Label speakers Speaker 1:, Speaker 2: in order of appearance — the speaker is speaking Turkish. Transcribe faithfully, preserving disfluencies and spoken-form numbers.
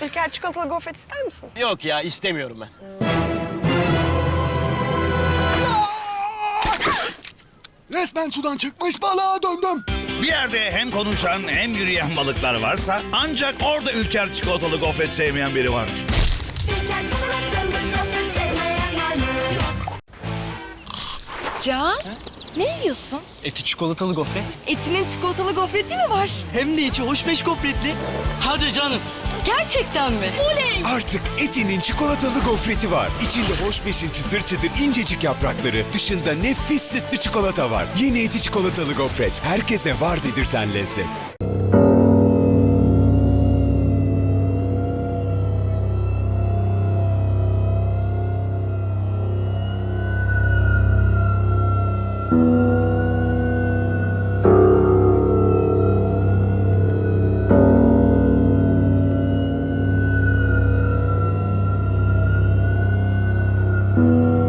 Speaker 1: İlker çikolatalı gofret ister misin?
Speaker 2: Yok ya, istemiyorum ben.
Speaker 3: Resmen sudan çıkmış balığa döndüm.
Speaker 4: Bir yerde hem konuşan hem yürüyen balıklar varsa ancak orada Ülker çikolatalı gofret sevmeyen biri var.
Speaker 5: Can, ne yiyorsun?
Speaker 2: Eti çikolatalı gofret.
Speaker 5: Etinin çikolatalı gofreti mi var?
Speaker 2: Hem de içi hoş beş gofretli. Hadi canım.
Speaker 5: Gerçekten mi? Oley!
Speaker 6: Artık Eti'nin çikolatalı gofreti var. İçinde hoşbeşin çıtır çıtır incecik yaprakları, dışında nefis sütlü çikolata var. Yeni Eti çikolatalı gofret. Herkese var dedirten lezzet.
Speaker 7: Thank you.